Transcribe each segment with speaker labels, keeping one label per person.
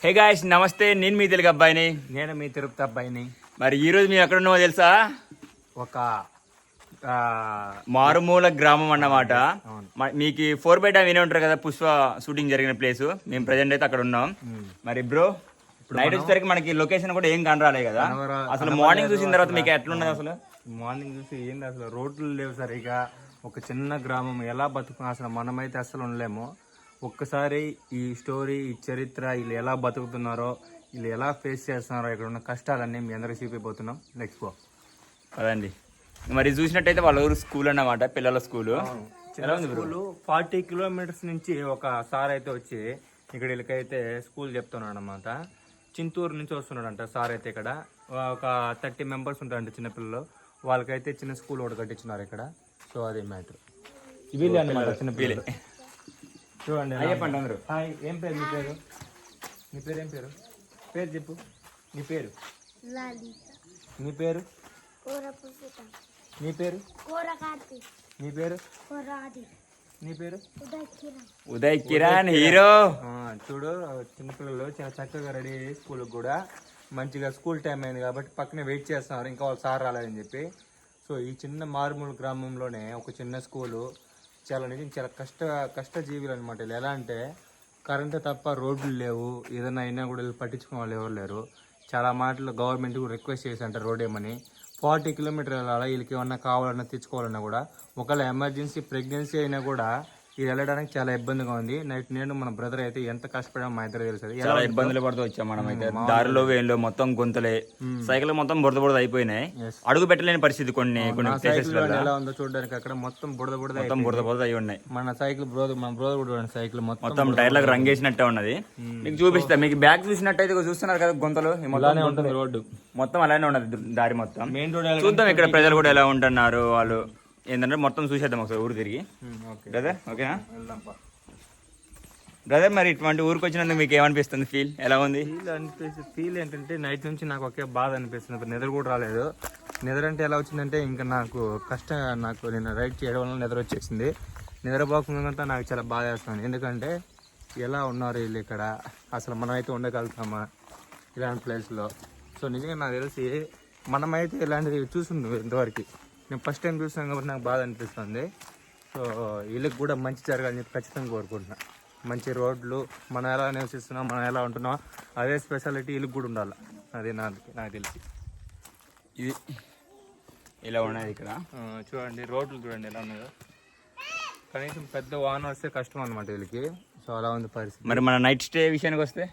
Speaker 1: Hey guys నమస్తే, నేను మీ తెలుగు అబ్బాయిని.
Speaker 2: నేను మీ తిరుపతి అబ్బాయిని.
Speaker 1: మరి ఈ రోజు మేము ఎక్కడ ఉన్నామో తెలుసా?
Speaker 2: ఒక
Speaker 1: మారుమూల గ్రామం అన్నమాట.
Speaker 2: అవును.
Speaker 1: మీకు 4x వినే ఉంటారు కదా, పుష్ప షూటింగ్ జరిగిన ప్లేస్. మేము ప్రజెంట్ అయితే అక్కడ ఉన్నాం. మరి బ్రో నైట్ వచ్చేసరికి మనకి లొకేషన్ కూడా ఏం కనరాలే కదా. అసలు మార్నింగ్ చూసిన తర్వాత మీకు ఎట్లున్నది? అసలు
Speaker 2: మార్నింగ్ చూసి ఏంది, అసలు రోడ్లు లేవు సరిగా. ఒక చిన్న గ్రామం ఎలా బతుకు, అసలు మనమైతే అసలు ఉండలేము. ఒక్కసారి ఈ స్టోరీ, ఈ చరిత్ర, వీళ్ళు ఎలా బతుకుతున్నారో, వీళ్ళు ఎలా ఫేస్ చేస్తున్నారో, ఇక్కడ ఉన్న కష్టాలన్నీ మీ అందరికీ చూపిపోతున్నాం. Let's go.
Speaker 1: అదండి. మరి చూసినట్టయితే వాళ్ళ ఊరు స్కూల్ అన్నమాట, పిల్లల స్కూల్.
Speaker 2: స్కూల్ 40 కిలోమీటర్స్ నుంచి ఒక సార్ అయితే వచ్చి ఇక్కడ వీళ్ళకైతే స్కూల్ చెప్తున్నాడు అనమాట. చింతూరు నుంచి వస్తున్నాడంట సార్ అయితే. ఇక్కడ ఒక 30 మెంబర్స్ ఉంటారంట చిన్నపిల్లలు. వాళ్ళకైతే చిన్న స్కూల్ ఒకటి కట్టించున్నారు ఇక్కడ. సో అదే మ్యాటర్. వీళ్ళే అనమాట చిన్నపిల్లలు. చూడండి.
Speaker 1: చెప్పండి అందరూ.
Speaker 2: హాయ్, ఏం పేరు మీ పేరు? నీ పేరు ఏం పేరు? పేరు చెప్పు. నీ పేరు? నీ పేరు? నీ పేరు? నీ పేరు? నీ పేరు?
Speaker 1: ఉదయ్ కిరణ్ హీరో.
Speaker 2: చూడు, చిన్నపిల్లలు చాలా చక్కగా రెడీ అయ్యి స్కూల్కి కూడా మంచిగా స్కూల్ టైం అయింది కాబట్టి పక్కనే వెయిట్ చేస్తున్నారు, ఇంకా వాళ్ళు సార్ రాలేదని చెప్పి. సో ఈ చిన్న మారుమూల గ్రామంలోనే ఒక చిన్న స్కూలు. చాలా కష్టజీవులు అనమాట. వీళ్ళు ఎలా అంటే కరెంటు తప్ప రోడ్లు లేవు, ఏదైనా అయినా కూడా వీళ్ళు పట్టించుకునే వాళ్ళు ఎవరు లేరు. చాలా మాటలు గవర్నమెంట్ కూడా రిక్వెస్ట్ చేసి అంటారు రోడ్ ఏమని. 40 కిలోమీటర్లు వెళ్ళాలి. వీళ్ళకి ఏమన్నా కావాలన్నా తెచ్చుకోవాలన్నా కూడా, ఒకవేళ ఎమర్జెన్సీ ప్రెగ్నెన్సీ అయినా కూడా ఇది వెళ్ళడానికి చాలా ఇబ్బందిగా ఉంది. నేను మన బ్రదర్ అయితే ఎంత కష్టపడామో మా ఇద్దరు తెలుసు.
Speaker 1: చాలా ఇబ్బందులు పడుతూ వచ్చాం మనం అయితే. దారిలో వేళ్ళు మొత్తం గుంతలే, సైకిల్ మొత్తం బురద అయిపోయినాయి. అడుగు పెట్టలేని పరిస్థితి కొన్ని
Speaker 2: ఎలా ఉందో చూడడానికి. అక్కడ మొత్తం
Speaker 1: బురద అయి ఉన్నాయి.
Speaker 2: మన సైకిల్ మన బ్రదర్ కూడా సైకిల్
Speaker 1: మొత్తం టైర్లకు రంగేసినట్టే ఉన్నది. మీకు చూపిస్తా. మీకు బ్యాగ్ చూసినట్టయితే చూస్తున్నారు కదా గుంతలు,
Speaker 2: ఉంటుంది రోడ్డు
Speaker 1: మొత్తం అలానే ఉన్నది. దారి మొత్తం మెయిన్ రోడ్. చూద్దాం ఇక్కడ ప్రజలు కూడా ఎలా ఉంటున్నారు, వాళ్ళు ఏంటంటే మొత్తం చూసేద్దాం ఒకసారి ఊరు తిరిగి. బ్రదర్ ఓకేనా? బ్రదర్, మరి ఇటువంటి ఊరికి వచ్చినందుకు మీకు ఏమనిపిస్తుంది? ఫీల్ ఎలా ఉంది?
Speaker 2: ఫీల్ ఏంటంటే నైట్ నుంచి నాకు ఒకే బాధ అనిపిస్తుంది. నిద్ర కూడా రాలేదు. నిద్ర అంటే ఎలా వచ్చిందంటే ఇంకా నాకు నేను రైడ్ చేయడం వల్ల నిద్ర వచ్చేసింది. నిద్రపోకుండా నాకు చాలా బాధ వేస్తుంది. ఎందుకంటే ఎలా ఉన్నారు వీళ్ళు ఇక్కడ, అసలు మనమైతే ఉండగలుగుతామా ఇలాంటి ప్లేస్లో? సో నిజంగా నాకు తెలిసి మనమైతే ఇలాంటివి చూసింది ఇంతవరకు. నేను ఫస్ట్ టైం చూసాను కాబట్టి నాకు బాధ అనిపిస్తుంది. సో వీళ్ళకి కూడా మంచి జరగాలని చెప్పి ఖచ్చితంగా కోరుకుంటున్నాను. మంచి రోడ్లు, మనం ఎలా నివసిస్తున్నాం, మనం ఎలా ఉంటున్నాం, అదే స్పెషాలిటీ వీళ్ళకి కూడా ఉండాలి. అది నాకు తెలిసి.
Speaker 1: ఇది ఇలా ఉన్నది ఇక్కడ.
Speaker 2: చూడండి రోడ్లు చూడండి ఎలా ఉన్నాయో. కనీసం పెద్ద వాహనం వస్తే కష్టం అనమాట వీళ్ళకి. సో అలా ఉంది పరిస్థితి.
Speaker 1: మరి మన నైట్ స్టే విషయానికి వస్తే,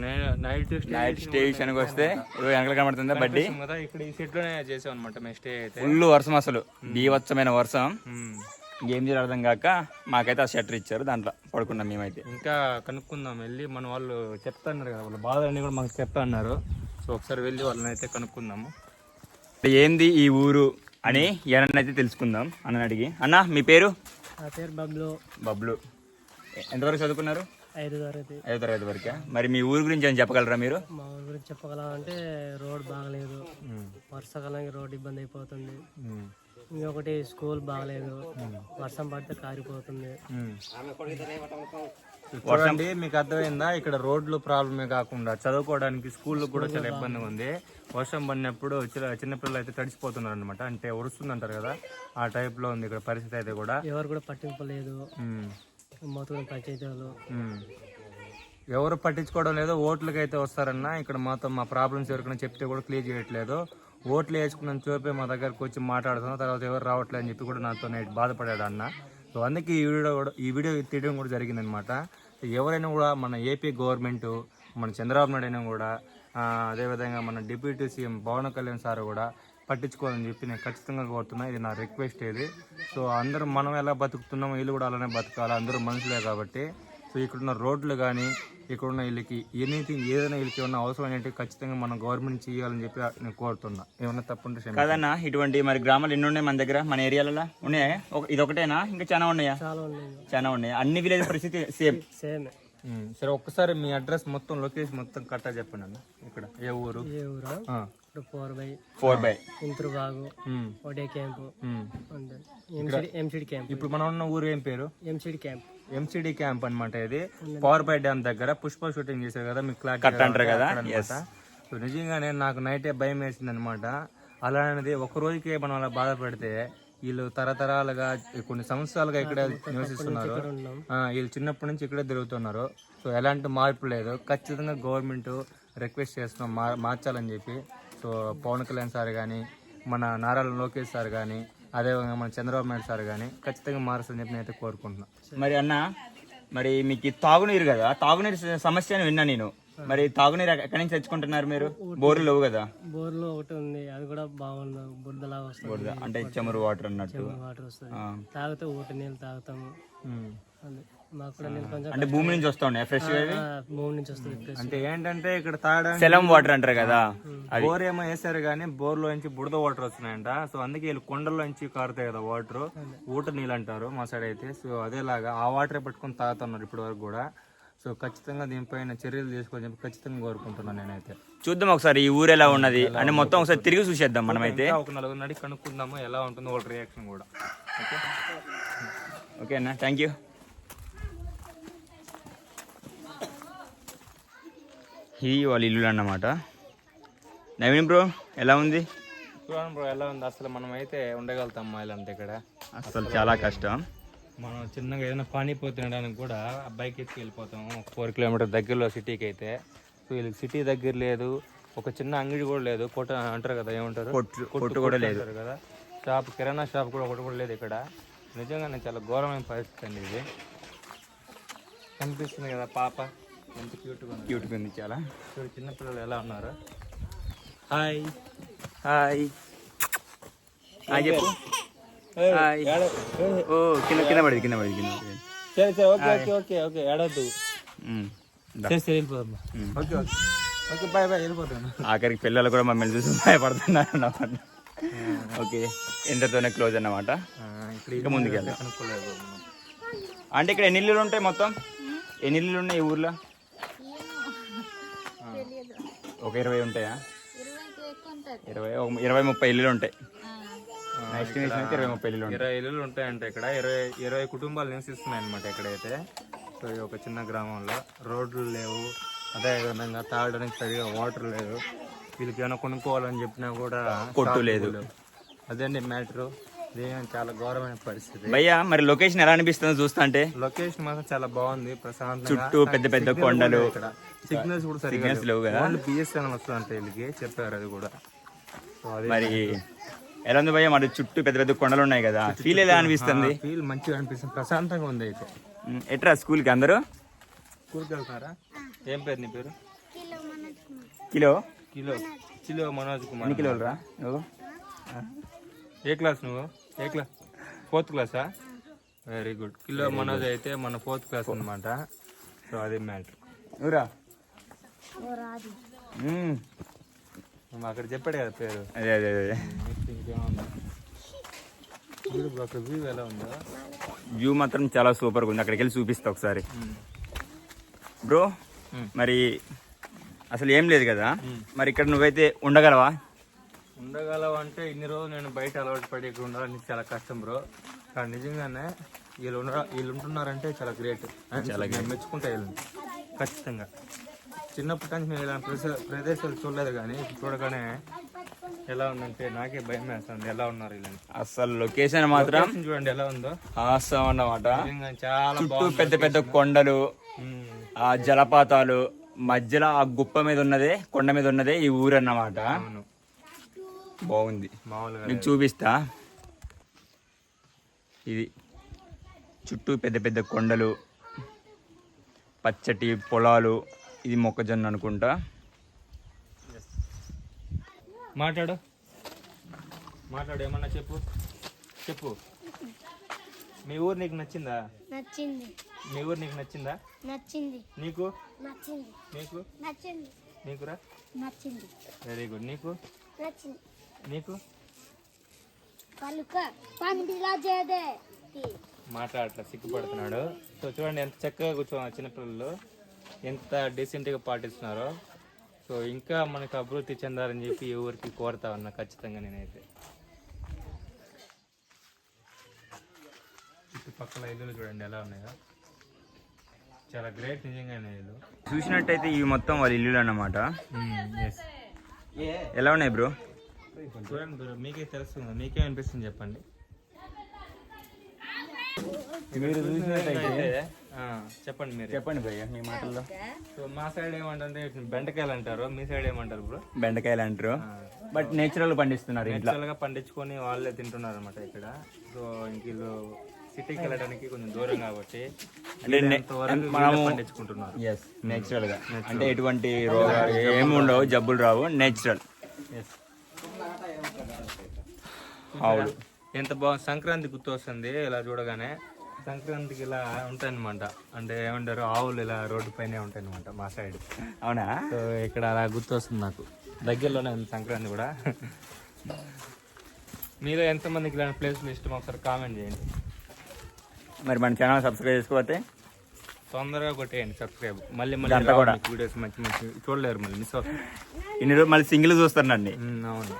Speaker 1: వెనకాల కనబడుతుందా బడ్డీ?
Speaker 2: ఇక్కడ ఈ సెట్ లోనే చేసాం అనమాట మేము స్టే అయితే.
Speaker 1: ఫుల్ వర్షం, అసలు బీభత్సమైన వర్షం. ఏం చేయాలి అర్థం కాక మాకైతే ఆ షట్టర్ ఇచ్చారు, దాంట్లో పడుకున్నాం మేమైతే.
Speaker 2: ఇంకా కనుక్కుందాం వెళ్ళి. మన వాళ్ళు చెప్తా అన్నారు కదా, వాళ్ళ బాధలన్నీ కూడా మాకు చెప్తా అన్నారు. సో ఒకసారి వెళ్ళి వాళ్ళని అయితే కనుక్కుందాము.
Speaker 1: ఏంది ఈ ఊరు అని ఏనైతే తెలుసుకుందాం అన్న అడిగి. అన్న మీ పేరు?
Speaker 3: నా పేరు బబ్లు.
Speaker 1: బబ్లు. ఎంతవరకు చదువుకున్నారు?
Speaker 3: 5వ తరగతి.
Speaker 1: 5వ తరగతి వరకే. మరి మీ ఊరు గురించి ఏమైనా చెప్పగలరా మీరు?
Speaker 3: మా ఊరి గురించి చెప్పగలం అంటే రోడ్ బాగలేదు, వర్షాకాలానికి రోడ్ ఇబ్బంది అయిపోతుంది. ఇంకొకటి స్కూల్ బాగలేదు, వర్షం పడితే కారిపోతుంది.
Speaker 2: చూడండి, మీకు అర్థమైందా? ఇక్కడ రోడ్లు ప్రాబ్లమే కాకుండా చదువుకోవడానికి స్కూల్లో కూడా చాలా ఇబ్బందిగా ఉంది. వర్షం పడినప్పుడు చిన్నపిల్లలు అయితే తడిసిపోతున్నారు అనమాట. అంటే ఉరుస్తుంది అంటారు కదా, ఆ టైప్ లో ఉంది ఇక్కడ పరిస్థితి అయితే కూడా.
Speaker 3: ఎవరు కూడా పట్టింపులేదు. మొత్తం పంచాయతీలు
Speaker 2: ఎవరు పట్టించుకోవడం లేదు. ఓట్లకి అయితే వస్తారన్నా ఇక్కడ మొత్తం మా ప్రాబ్లమ్స్ ఎవరికైనా చెప్తే కూడా క్లియర్ చేయట్లేదు. ఓట్లు వేసుకున్న చూపే మా దగ్గరకు వచ్చి మాట్లాడుతున్నాం, తర్వాత ఎవరు రావట్లేదు అని చెప్పి కూడా నాతో నైట్ బాధపడాడు అన్న. సో అందుకే ఈ వీడియో తీయడం కూడా జరిగిందనమాట. ఎవరైనా కూడా మన ఏపీ గవర్నమెంట్, మన చంద్రబాబు నాయుడు అయినా కూడా, అదేవిధంగా మన deputy CM Pawan Kalyan sir కూడా పట్టించుకోవాలని చెప్పి నేను ఖచ్చితంగా కోరుతున్నా. ఇది నా రిక్వెస్ట్ ఇది. సో అందరూ మనం ఎలా బతుకుతున్నామో వీళ్ళు కూడా అలానే బతకాలి, అందరూ మనుషులే కాబట్టి. సో ఇక్కడున్న రోడ్లు కానీ, ఇక్కడున్న వీళ్ళకి ఏదైనా వీళ్ళకి ఏమన్నా అవసరమైనవి ఖచ్చితంగా మనం గవర్నమెంట్ చేయాలని చెప్పి నేను కోరుతున్నా. ఏమన్నా తప్పుంటే
Speaker 1: కాదన్నా. ఇటువంటి మరి గ్రామాలు ఎన్ని ఉన్నాయి మన దగ్గర, మన ఏరియాలలో ఉన్నాయా? ఇది ఒకటేనా? ఇంకా చాలా ఉన్నాయా? చాలా ఉన్నాయి. అన్ని విలేజ్ పరిస్థితి సేమ్.
Speaker 2: సరే, ఒక్కసారి మీ అడ్రస్ మొత్తం, లొకేషన్ మొత్తం కరెక్ట్గా చెప్పండి అన్న. ఇక్కడ ఏ ఊరు?
Speaker 3: 4/4 ఇంతురుబాగు, ఒడే క్యాంపు, ఎంసిడి క్యాంప్.
Speaker 2: ఇప్పుడు మనం ఉన్న ఊరు ఏం పేరు?
Speaker 3: ఎంసిడి క్యాంప్.
Speaker 2: ఎంసీడీ క్యాంప్ అన్నమాట. ఇది పవర్ బై డ్యామ్ దగ్గర పుష్ప షూటింగ్ చేశారు కదా మీకు
Speaker 1: కట్ అంటారు కదా.
Speaker 2: సో నిజంగానే నాకు నైటే భయం వేసింది అనమాట. అలాంటిది ఒక రోజుకే మనం అలా బాధపడితే వీళ్ళు తరతరాలుగా కొన్ని సంవత్సరాలుగా ఇక్కడే నివసిస్తున్నారు. వీళ్ళు చిన్నప్పటి నుంచి ఇక్కడే తిరుగుతున్నారు. సో ఎలాంటి మార్పు లేదు. ఖచ్చితంగా గవర్నమెంట్ రిక్వెస్ట్ చేస్తున్నాం మార్చాలని చెప్పి. సో పవన్ కళ్యాణ్ సార్ కానీ, మన నారా లోకేష్ సార్ కానీ, అదేవిధంగా మన చంద్రబాబు నాయుడు సార్ కానీ ఖచ్చితంగా మారుస్తుందని చెప్పి నేనైతే కోరుకుంటున్నాను.
Speaker 1: మరి అన్న, మరి మీకు తాగునీరు కదా, తాగునీరు సమస్య అని విన్నా నేను. మరి తాగునీరు ఎక్కడి నుంచి తెచ్చుకుంటున్నారు మీరు? బోర్లు లేవు కదా?
Speaker 3: బోర్లో ఒకటి ఉంది, అది కూడా బాగుంది, బురదలాగా వస్తుంది.
Speaker 1: అంటే చెమరు వాటర్ అన్నట్టు
Speaker 3: వాటర్ వస్తుంది, తాగితే ఊట నీళ్ళు తాగుతాము. మాకు కూడా నీళ్ళు కొంచెం
Speaker 1: అంటే భూమి నుంచి వస్తా ఉన్నాయి ఫ్రెష్ గా,
Speaker 3: భూమి నుంచి వస్తుంది.
Speaker 2: అంటే ఏంటంటే ఇక్కడ తాగడానికి
Speaker 1: సెలం వాటర్ అంటారు కదా,
Speaker 2: బోర్ ఏమో వేసారు కానీ బోర్లో నుంచి బుడద వాటర్ వస్తున్నాయంట. సో అందుకే వీళ్ళు కొండల్లో నుంచి కారుతాయి కదా వాటర్, ఊట నీళ్ళు అంటారు మా సైడ్ అయితే. సో అదేలాగా ఆ వాటర్ పట్టుకొని తాగుతున్నారు ఇప్పటి వరకు కూడా. సో ఖచ్చితంగా దీనిపైన చర్యలు తీసుకోవాలని చెప్పి ఖచ్చితంగా కోరుకుంటున్నాను నేనైతే.
Speaker 1: చూద్దాం ఒకసారి ఈ ఊరు ఎలా ఉన్నది అని మొత్తం ఒకసారి తిరిగి చూసేద్దాం మనమైతే.
Speaker 2: ఒక నలుగురు నడి కనుక్కుందాము ఎలా ఉంటుందో వాళ్ళ రియాక్షన్ కూడా.
Speaker 1: ఓకే అన్న, థ్యాంక్ యూ. ఈ వాళ్ళ ఇల్లు అన్నమాట. నవీన్ బ్రో ఎలా ఉంది?
Speaker 2: చూడండి బ్రో ఎలా ఉంది. అసలు మనం అయితే ఉండగలుగుతాం ఇలాంటి ఇక్కడ
Speaker 1: అసలు చాలా కష్టం.
Speaker 2: మనం చిన్నగా ఏదైనా పానీపూరి తినడానికి కూడా బైక్ ఎత్తుకు వెళ్ళిపోతాము 4 కిలోమీటర్ దగ్గరలో సిటీకి అయితే. సో వీళ్ళకి సిటీ దగ్గర లేదు, ఒక చిన్న అంగడి కూడా లేదు, కొట్టు అంటారు కదా, ఏమంటారు,
Speaker 1: కొట్టు కూడా లేదు
Speaker 2: కదా, షాప్, కిరాణా షాప్ కూడా ఒకటి కూడా లేదు ఇక్కడ. నిజంగానే చాలా ఘోరమైన పరిస్థితి అండి ఇది. కనిపిస్తుంది కదా పాప ఎంత క్యూట్గా
Speaker 1: ఉంది చాలా.
Speaker 2: చూడు చిన్నపిల్లలు ఎలా ఉన్నారు.
Speaker 1: హాయ్ హాయ్ హాయ్ చెప్పు. ఓ కింద పడింది.
Speaker 2: సరే సరే ఓకే ఓకే ఓకే ఓకే ఏడవద్దు. వెళ్ళిపోతాం. Okay okay okay bye bye వెళ్ళిపోతాను.
Speaker 1: ఆఖరికి పిల్లలు కూడా మమ్మల్ని చూసి భయపడుతున్నారు అన్నమాట. ఓకే, ఎంతతోనే క్లోజ్ అన్నమాట. ఇంకా ముందుకు వెళ్దాం. అంటే ఇక్కడ ఎన్ని ఇల్లులు ఉంటాయి మొత్తం? ఎన్ని ఇల్లులు ఉన్నాయి ఈ ఊర్లో? ఒక 20 ఉంటాయా? 20-30 ఇల్లులు ఉంటాయి.
Speaker 2: 20 ఇల్లులు ఉంటాయంటే ఇక్కడ 20 కుటుంబాలు నివసిస్తున్నాయి అనమాట ఇక్కడైతే. సో ఒక చిన్న గ్రామంలో రోడ్లు లేవు, అదేవిధంగా తాగడానికి సరిగా వాటర్ లేదు, వీళ్ళకి ఏమైనా కొనుక్కోవాలని చెప్పినా కూడా
Speaker 1: కొట్టు లేదు.
Speaker 2: అదండి మ్యాటరు. చాలా ఘోరమైన పరిస్థితి.
Speaker 1: భయ్యా మరి లొకేషన్ ఎలా అనిపిస్తుందో చూస్తా అంటే?
Speaker 2: లొకేషన్ మాత్రం చాలా బాగుంది, ప్రశాంతంగా,
Speaker 1: చుట్టూ పెద్ద పెద్ద కొండలు,
Speaker 2: సిగ్నల్స్ కూడా సరిగ్గా
Speaker 1: లేవు కదా.
Speaker 2: బిఎస్ఎన్ఎల్ వస్తుందంటే వీళ్ళకి చెప్పారు అది కూడా.
Speaker 1: మరి ఎలా ఉంది భయ్యా? మరి చుట్టూ పెద్ద పెద్ద కొండలు ఉన్నాయి కదా, ఫీల్ ఎలా అనిపిస్తుంది?
Speaker 2: ఫీల్ మంచిగా అనిపిస్తుంది, ప్రశాంతంగా ఉంది అయితే.
Speaker 1: ఎట్రా స్కూల్కి అందరూ?
Speaker 2: స్కూల్కి వెళ్తున్నారా? ఏం పేరు నీ పేరు?
Speaker 1: Kilo
Speaker 2: kilo Manoj Kumar.
Speaker 1: ఎన్ని కిలోలు రా నువ్వు?
Speaker 2: ఏ క్లాస్ నువ్వు? ఏ క్లాస్? 4th క్లాసా? Very good. కిలో మనోజ్ అయితే మన 4th క్లాస్ అనమాట. సో అది మ్యాటర్.
Speaker 1: నువ్వురా
Speaker 2: అక్కడ చెప్పాడు కదా పేరు.
Speaker 1: అదే అదే అదే.
Speaker 2: అక్కడ వ్యూ ఎలా ఉందో?
Speaker 1: వ్యూ మాత్రం చాలా సూపర్గా ఉంది. అక్కడికి వెళ్ళి చూపిస్తా ఒకసారి. బ్రో మరి అసలు ఏం లేదు కదా, మరి ఇక్కడ నువ్వైతే ఉండగలవా?
Speaker 2: అంటే ఇన్ని రోజులు నేను బయట అలవాటు పడి ఇక్కడ ఉండాలని చాలా కష్టం బ్రో. కానీ నిజంగానే వీళ్ళు ఉంటున్నారంటే చాలా గ్రేట్, చాలా మెచ్చుకుంటా వీళ్ళని ఖచ్చితంగా. చిన్నప్పటి నుంచి మేము ఇలాంటి ప్రదేశాలు చూడలేదు, కానీ చూడగానే ఎలా ఉందంటే నాకే భయం వేస్తుంది. ఎలా ఉన్నారు వీళ్ళని.
Speaker 1: అసలు లొకేషన్ మాత్రం
Speaker 2: చూడండి ఎలా ఉందో,
Speaker 1: హాసం అన్నమాట.
Speaker 2: చాలా
Speaker 1: చుట్టూ పెద్ద పెద్ద కొండలు, ఆ జలపాతాలు, మధ్యలో ఆ గుప్ప మీద ఉన్నదే, కొండ మీద ఉన్నదే ఈ ఊరు అన్నమాట. బాగుంది,
Speaker 2: మామూలుగా
Speaker 1: మీకు చూపిస్తా. ఇది చుట్టూ పెద్ద పెద్ద కొండలు, పచ్చటి పొలాలు, ఇది మొక్కజొన్న అనుకుంటా.
Speaker 2: మాట్లాడు ఏమన్నా చెప్పు. మీ ఊరు నీకు నచ్చిందా?
Speaker 4: నచ్చింది.
Speaker 2: మీ ఊరు నీకు నచ్చిందా?
Speaker 4: నచ్చింది.
Speaker 2: నీకు?
Speaker 4: నచ్చింది.
Speaker 2: నీకు?
Speaker 4: నచ్చింది.
Speaker 2: నీకురా?
Speaker 4: నచ్చింది.
Speaker 2: Very good. నీకు?
Speaker 4: నచ్చింది.
Speaker 2: నీకు? మాట్లాడట్లా, సిగ్గుపడుతున్నాడు. సో చూడండి ఎంత చక్కగా కూర్చోన్నారు చిన్నపిల్లలు, ఎంత డీసెంట్గా పాటిస్తున్నారో. సో ఇంకా మనకు అభివృద్ధి చెందాలని చెప్పి ఈ ఊరికి కోరుతా ఉన్నా ఖచ్చితంగా నేనైతే. చుట్టుపక్కల ఇల్లులు చూడండి ఎలా ఉన్నాయో. చాలా గ్రేట్ నిజంగానే వీళ్ళు.
Speaker 1: చూసినట్టయితే ఇవి మొత్తం వాళ్ళ ఇల్లులు అన్నమాట.
Speaker 2: ఎస్.
Speaker 1: ఎలా ఉన్నాయి బ్రో?
Speaker 2: చూడండి బ్రో, మీకే తెలుస్తుంది, మీకేమనిపిస్తుంది చెప్పండి.
Speaker 1: మీరు చూసినట్టయితే
Speaker 2: చెప్పండి మీరు
Speaker 1: చెప్పండి భయ్య మీ మాటల్లో.
Speaker 2: సో మా సైడ్ ఏమంటే బెండకాయలు అంటారు, మీ సైడ్ ఏమంటారు బ్రో?
Speaker 1: బెండకాయలు అంటారు, బట్ నేచురల్ పండిస్తున్నారు ఇంట్లో.
Speaker 2: నేచురల్ గా పండించుకొని వాళ్ళే తింటున్నారు అనమాట ఇక్కడ. సో ఇంక వీళ్ళు సిటీకి వెళ్ళడానికి కొంచెం దూరం కాబట్టి
Speaker 1: అంటే
Speaker 2: మనము పండించుకుంటున్నారు.
Speaker 1: ఎస్ నేచురల్ గా, అంటే ఎటువంటి రోగాలు ఏమి ఉండవు, జబ్బులు రావు, నేచురల్.
Speaker 2: ఎస్.
Speaker 1: అవును.
Speaker 2: ఎంత బాగుంది, సంక్రాంతి గుర్తు వస్తుంది ఇలా చూడగానే. సంక్రాంతికి ఇలా ఉంటాయి అనమాట, అంటే ఏమంటారు ఆవులు ఇలా రోడ్డు పైనే ఉంటాయి అనమాట మా సైడ్.
Speaker 1: అవునా?
Speaker 2: సో ఇక్కడ అలా గుర్తు వస్తుంది నాకు. దగ్గరలోనే ఉంది సంక్రాంతి కూడా. మీలో ఎంతమందికి ఇలాంటి ప్లేస్లు ఇష్టం ఒకసారి కామెంట్ చేయండి.
Speaker 1: మరి మన ఛానల్ సబ్స్క్రైబ్ చేసుకోకపోతే
Speaker 2: తొందరగా కొట్టేయండి సబ్స్క్రైబ్. మళ్ళీ
Speaker 1: అంతా కూడా
Speaker 2: వీడియోస్ మంచి మంచి చూడలేరు, మళ్ళీ మిస్ అవుతుంది.
Speaker 1: ఇన్ని రోజులు మళ్ళీ సింగిల్ చూస్తానండి.
Speaker 2: అవును.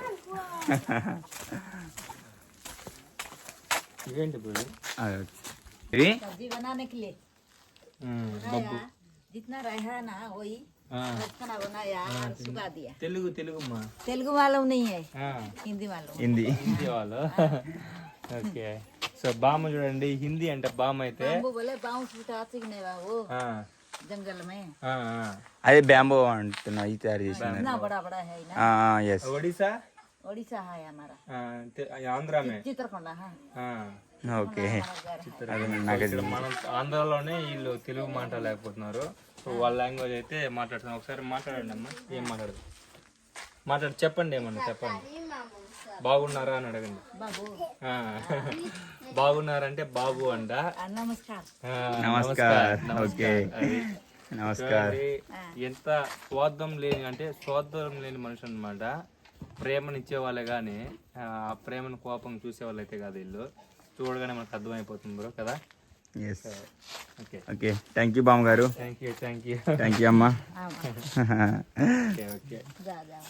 Speaker 2: ఇవేంటి ఇప్పుడు?
Speaker 1: ఇది
Speaker 5: सब्जी बनाने के लिए
Speaker 2: బొబ్బు.
Speaker 5: जितना रहा ना वही खाना बनाया और सुखा दिया।
Speaker 2: తెలుగుమ్మా.
Speaker 5: तेलुगु मालूम नहीं है, हिंदी मालूम।
Speaker 1: హిందీ.
Speaker 2: హిందీ వాళ్ళు. ఓకే. సో బామ్మ చూడండి, హిందీ అంటే బామ్మ అయితే
Speaker 5: वो बोले बाउंस नहीं वो जंगल में
Speaker 1: అదే బ్యాంబో అంటున్నా, ఇది తయారు చేసింది.
Speaker 5: इतना बड़ा बड़ा है ना।
Speaker 1: ఎస్.
Speaker 2: ఒడిశా,
Speaker 5: ओडिशा है हमारा,
Speaker 2: ఆంధ్ర మే.
Speaker 5: चित्रकोंडा। हाँ
Speaker 1: ఓకే.
Speaker 2: ఇక్కడ మనం ఆంధ్రాలోనే వీళ్ళు తెలుగు మాట్లాడలేకపోతున్నారు. సో వాళ్ళ లాంగ్వేజ్ అయితే మాట్లాడుతున్నారు. ఒకసారి మాట్లాడండి అమ్మా. ఏం మాట్లాడు చెప్పండి, ఏమన్నా చెప్పండి. బాగున్నారా అని అడగండి.
Speaker 5: बाबू
Speaker 2: బాగున్నారంటే బాబు అంట.
Speaker 5: नमस्कार।
Speaker 1: నమస్కార్. ఓకే నమస్కార్.
Speaker 2: ఎంత స్వార్థం లేని, అంటే స్వార్థం లేని మనిషి అనమాట. ప్రేమనిచ్చే వాళ్ళే కానీ ఆ ప్రేమను కోపం చూసే వాళ్ళు అయితే కాదు వీళ్ళు. చూడగానే మనకు అర్థమైపోతుంది బ్రో కదా.
Speaker 1: Yes.
Speaker 2: Okay
Speaker 1: okay thank you బామ్మ గారు.
Speaker 2: Thank you thank you
Speaker 1: thank you అమ్మా.
Speaker 2: ఓకే ఓకే
Speaker 5: जा जा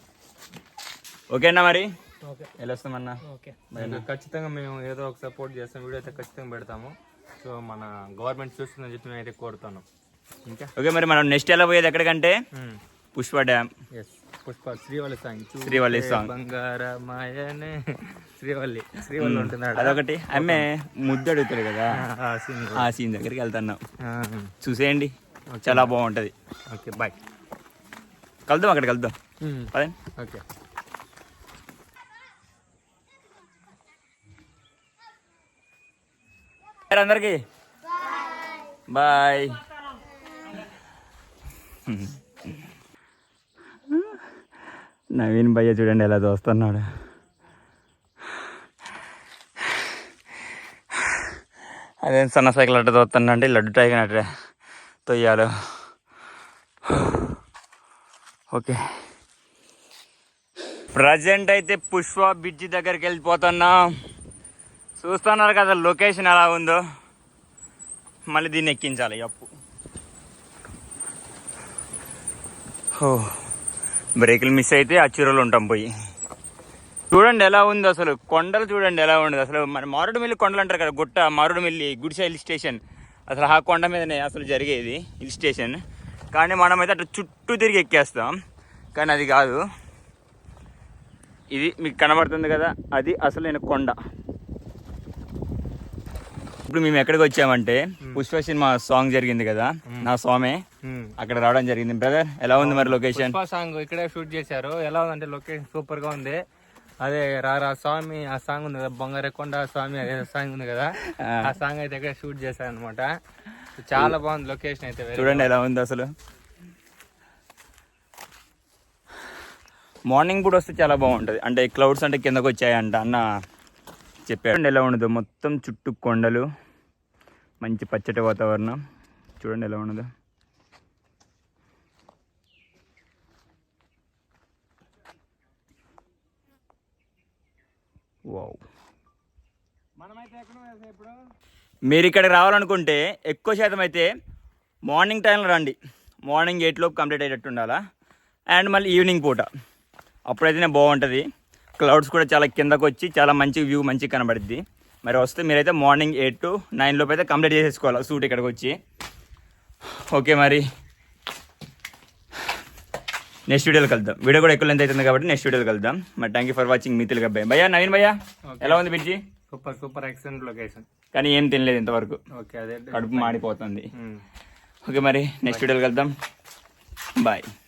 Speaker 1: ఓకేనా మరి
Speaker 3: ఓకే
Speaker 1: వెళ్ళొస్తామన్నా.
Speaker 3: ఓకే.
Speaker 2: ఖచ్చితంగా మేము ఏదో ఒక సపోర్ట్ చేస్తాం, వీడియో అయితే ఖచ్చితంగా పెడతాము. సో మన గవర్నమెంట్ చూస్తుందని చెప్పి నేను అయితే కోరుతాను. ఇంకా
Speaker 1: ఓకే మరి మనం నెక్స్ట్ ఎలా పోయేది ఎక్కడికంటే Pushpa dam.
Speaker 2: Yes, Pushpa Srivalli song.
Speaker 1: Srivalli song.
Speaker 2: బంగారమాయనే శ్రీవల్లి ఉంటుంది.
Speaker 1: అదొకటి. ఆమె ముద్దు అడుగుతాడు కదా,
Speaker 2: ఆ scene.
Speaker 1: ఆ సీన్ దగ్గరికి వెళ్తున్నాం. చూసేయండి, చాలా బాగుంటది.
Speaker 2: Okay bye.
Speaker 1: కలుద్దాం, అక్కడికి వెళ్దాం. పదండి.
Speaker 2: ఓకే.
Speaker 1: అందరికి బాయ్. నవీన్ భయ్య చూడండి ఎలా చూస్తున్నాడు. అదేం సన్న సైకిల్ అట్ట చూస్తున్నా అంటే లడ్డు టైగర్ అట్ట తొయ్యాలు. ఓకే ప్రజెంట్ అయితే పుష్ప బ్రిడ్జి దగ్గరికి వెళ్ళిపోతున్నాం. చూస్తున్నారు కదా లొకేషన్ ఎలా ఉందో. మళ్ళీ దీన్ని ఎక్కించాలి అప్పు. బ్రేకులు మిస్ అయితే ఆ చీరలు ఉంటాం పోయి. చూడండి ఎలా ఉంది అసలు, కొండలు చూడండి ఎలా ఉండదు అసలు. మన మారేడుమిల్లి కొండలు అంటారు కదా, గుట్ట మారేడుమిల్లి గుడిసె హిల్ స్టేషన్, అసలు ఆ కొండ మీదనే అసలు జరిగేది హిల్ స్టేషన్. కానీ మనమైతే అట్లా చుట్టూ తిరిగి ఎక్కేస్తాం, కానీ అది కాదు. ఇది మీకు కనబడుతుంది కదా, అది అసలు నేను కొండ. ఇప్పుడు మేము ఎక్కడికి వచ్చామంటే పుష్ప సినిమా సాంగ్ జరిగింది కదా, నా స్వామి అక్కడ రావడం జరిగింది. బ్రదర్ ఎలా ఉంది మరి లొకేషన్?
Speaker 2: పుష్ప సాంగ్ ఇక్కడే షూట్ చేశారు. ఎలా ఉందంటే లొకేషన్ సూపర్ గా ఉంది. అదే రారా స్వామి ఆ సాంగ్ ఉంది కదా, బొంగరెకొండ స్వామి అదే సాంగ్ ఉంది కదా, ఆ సాంగ్ అయితే ఇక్కడ షూట్ చేశారు అనమాట. చాలా బాగుంది లొకేషన్ అయితే.
Speaker 1: చూడండి ఎలా ఉంది అసలు. మార్నింగ్ కూడా వస్తే చాలా బాగుంటుంది, అంటే క్లౌడ్స్ అంటే కిందకు వచ్చాయంట అన్న చెప్పాడు. ఎలా ఉండదు, మొత్తం చుట్టూ కొండలు, మంచి పచ్చటి వాతావరణం. చూడండి ఎలా ఉండదు. వావ్. మీరు ఇక్కడికి రావాలనుకుంటే ఎక్కువ శాతం అయితే మార్నింగ్ టైంలో రండి. మార్నింగ్ 8 లోపు కంప్లీట్ అయ్యేటట్టు ఉండాలా. అండ్ మళ్ళీ ఈవినింగ్ పూట అప్పుడైతేనే బాగుంటుంది. క్లౌడ్స్ కూడా చాలా కిందకు వచ్చి చాలా మంచి వ్యూ మంచిగా కనబడుద్ది. మరి వస్తే మీరైతే మార్నింగ్ 8 to 9 లోపు అయితే కంప్లీట్ చేసేసుకోవాలి షూట్ ఇక్కడికి వచ్చి. ఓకే మరి నెక్స్ట్ వీడియోలో కలుద్దాం. వీడియో కూడా ఎక్కువ లెంత్ అవుతుంది కాబట్టి నెక్స్ట్ వీడియోలో కలుద్దాం. మరి థ్యాంక్ యూ ఫర్ వాచింగ్ మీ తెలుగు అబ్బాయి. భయ్యా నవీన్ భయ్యా ఎలా ఉంది బిడ్జి?
Speaker 2: Super excellent location.
Speaker 1: కానీ ఏం తినలేదు ఇంతవరకు,
Speaker 2: ఓకే అదే
Speaker 1: కడుపు మాడిపోతుంది. ఓకే మరి నెక్స్ట్ వీడియోలో కలుద్దాం. బాయ్.